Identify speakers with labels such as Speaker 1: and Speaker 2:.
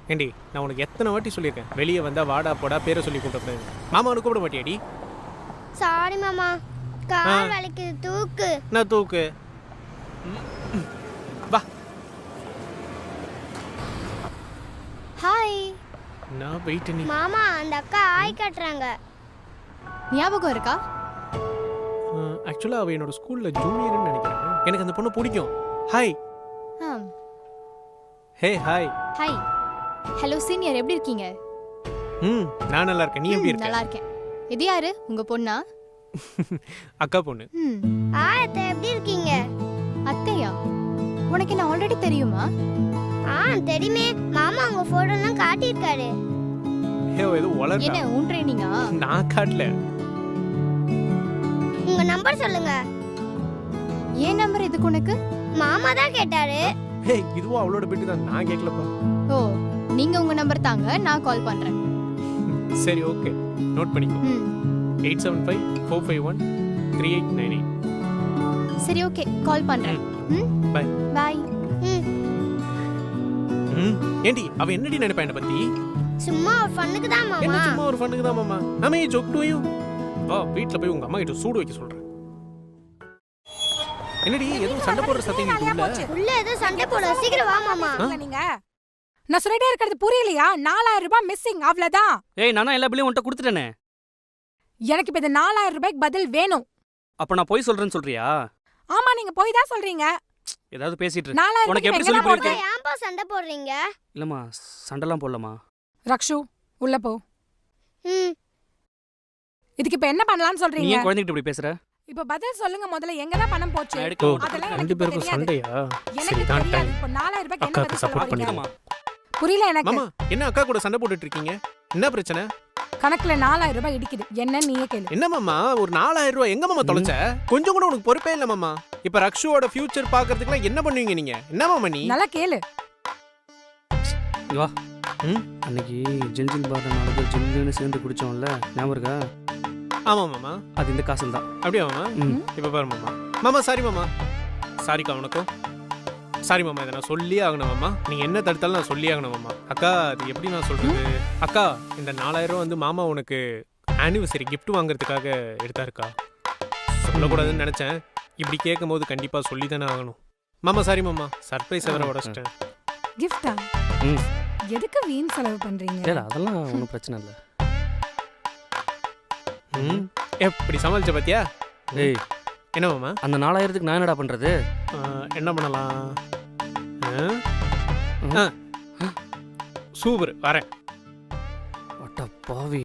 Speaker 1: ஏண்டி நான் உனக்கு எத்தனை வாட்டி சொல்லியிருக்கேன் வெளியே வந்தா வாடா போடா பேரை சொல்லி கூப்பிட்டு மாமா உனக்கு கூப்பிட மாட்டியாடி?
Speaker 2: சாரி மாமா, கால் வலிக்குது, தூக்கு.
Speaker 1: நான் தூக்கு. வா.
Speaker 2: ஹாய்.
Speaker 1: நான் வெயிட் நீ.
Speaker 2: மாமா அந்த அக்கா ஆய் கட்டுறாங்க.
Speaker 3: ஞாபகம் இருக்கா?
Speaker 1: ஆக்சுவலா அவ என்னோட ஸ்கூல்ல ஜூனியர்னு நினைக்கிறேன். எனக்கு அந்த பொண்ணு பிடிக்கும். Hi. Hey hi.
Speaker 3: Hi. Hello senior, எப்படி இருக்கீங்க?
Speaker 1: நான் நல்லா இருக்கேன். நீ எப்படி இருக்க?
Speaker 3: நல்லா இருக்கேன். இது யாரு? உங்க பொண்ணா?
Speaker 1: அக்கா பொண்ணு.
Speaker 2: அத்தை எப்படி இருக்கீங்க?
Speaker 3: அத்தையா? உனக்கு என்ன ஆல்ரெடி தெரியுமா?
Speaker 2: தெரியுமே, மாமா உங்க போட்டோலாம் காட்டியிருக்காரு.
Speaker 1: ஏதோ வளர்றா.
Speaker 3: என்ன உன் ட்ரெயினிங்கா?
Speaker 1: நான் காட்டல.
Speaker 2: உங்க நம்பர் சொல்லுங்க.
Speaker 3: ஏன் நம்பர் இதுக்கு உனக்கு?
Speaker 2: மாமா தான் கேட்டாரு.
Speaker 1: இதுவும் அவளோட பெட்டு தான், நான் கேட்கலப்பா.
Speaker 3: ஓ, நீங்க உங்க நம்பர் தாங்க, நான் கால் பண்றேன்.
Speaker 1: சரி ஓகே, நோட் பண்ணிக்கோ. 8754513898.
Speaker 3: சரி ஓகே, கால் பண்றேன்.
Speaker 1: Bye
Speaker 3: bye.
Speaker 1: ஏண்டி அவ என்னடி நினைப்பா என்ன பத்தி?
Speaker 2: சும்மா ஒரு ஃபன்னுக்கு தான் மாமா.
Speaker 1: என்ன சும்மா ஒரு ஃபன்னுக்கு தான் மாமா? நாம ஏ ஜோக் டு யூ. வா வீட்ல போய் உங்க அம்மா கிட்ட சூடு வைக்க சொல்றேன். என்னடி ஏதோ சண்டை போடுற சத்தம் கேக்குது?
Speaker 2: உள்ள ஏதோ சண்டை போட, சீக்கிரம் வா மாமா.
Speaker 4: நீங்க நான் சொல்லிட்டே இருக்கிறது புரியலையா? 4000 ரூபாய் மிஸ்ஸிங், அவ்வளவுதான்.
Speaker 5: ஏய் நானா எல்லா பில்லையும் உன்கிட்ட கொடுத்துட்டேனே.
Speaker 4: எனக்கு இப்ப இந்த 4000 ரூபாய்க்கு பதில் வேணும்.
Speaker 5: அப்ப நான் போய் சொல்றேன்னு சொல்றியா?
Speaker 4: ஆமா, நீங்க போய் தான் சொல்றீங்க.
Speaker 5: ஏதாவது பேசிட்டு இரு.
Speaker 4: 4000
Speaker 5: உனக்கு எப்படி சொல்லி புரியுது?
Speaker 2: ஏன்பா சண்டை போடுறீங்க?
Speaker 5: இல்லம்மா, சண்டெல்லாம் போடலமா.
Speaker 4: ரக்ஷு உள்ள போ. இதுக்கு இப்ப என்ன பண்ணலாம்னு
Speaker 5: நீ
Speaker 4: சொல்றீங்க?
Speaker 5: ஏன் குழந்தைகிட்ட இப்படி பேசுற?
Speaker 4: இப்ப பதில் சொல்லுங்க முதல்ல, எங்க தான் பணம் போச்சு? அதெல்லாம்
Speaker 1: ரெண்டு
Speaker 4: எனக்கு
Speaker 1: பேருக்கும்
Speaker 4: தெரியாது.
Speaker 1: சண்டையா?
Speaker 4: எனக்கு
Speaker 1: சரி தான்
Speaker 4: தெரியாது.
Speaker 1: டைம்.
Speaker 4: இப்ப 4000 ரூபாய்க்கு என்ன
Speaker 1: அக்காக்கு
Speaker 4: பதில்
Speaker 1: சப்போர்ட்
Speaker 4: சொல்ல போறீங்க?
Speaker 1: பண்ணிக்கமா.
Speaker 4: புரியல எனக்கு.
Speaker 1: மாமா என்ன அக்கா கூட சண்டை போட்டுட்டு இருக்கீங்க? என்ன பிரச்சனை?
Speaker 4: கணக்குல 4000 ரூபாய் இடிக்குது, என்ன நீயே கேளு.
Speaker 1: என்ன மாமா ஒரு 4000 ரூபாய் எங்க மாமா தொலைச்ச? கொஞ்சம் கூட உனக்கு பொறுப்பே இல்ல மாமா. இப்ப ரக்ஷுவோட ஃபியூச்சர் பாக்குறதுக்குலாம் என்ன பண்ணுவீங்க நீங்க? என்ன மாமா நீ?
Speaker 4: நல்லா கேளு.
Speaker 5: வா. அன்னைக்கு ஜில் ஜில் பார் நடந்து ஜில்லுன்னு சேர்ந்து குடிச்சோம்ல, ஞாபகம் இருக்கா?
Speaker 1: ஆமா மாமா,
Speaker 5: அது இந்த காசுல தான்.
Speaker 1: அப்படியே மாமா. இப்ப பாரு மாமா. மாமா சாரி மாமா. சாரிக்கா உனக்கும். சாரி மாமா, இதை நான் சொல்லியே ஆகணும் மாமா. நீங்க என்ன தடுத்தாலும் நான் சொல்லியே ஆகணும் மாமா. அக்கா அது எப்படி நான் சொல்றது? அக்கா இந்த 4000 ரூபாய் வந்து மாமா உனக்கு ஆனிவர்சரி கிஃப்ட் வாங்குறதுக்காக எடுத்தாருக்கா. சொல்லக்கூடாதுன்னு நினைச்சேன். இப்படி கேட்கும் போது கண்டிப்பா சொல்லி தானே ஆகணும் மாமா. சாரி மாமா, சர்ப்ரைஸ் வேற உடச்சிட்டேன்.
Speaker 4: கிஃப்டா? எதுக்கு வீண் செலவு பண்றீங்க?
Speaker 5: இல்ல அதெல்லாம் ஒன்றும் பிரச்சனை இல்லை.
Speaker 1: எப்படி சமாளிச்ச பாத்தியா?
Speaker 5: ஏய்
Speaker 1: என்ன மாமா?
Speaker 5: அந்த 4000க்கு நான் என்னடா பண்றது?
Speaker 1: என்ன பண்ணலாம்? சூப்பர், வரேன்.
Speaker 5: அட்ட பாவி.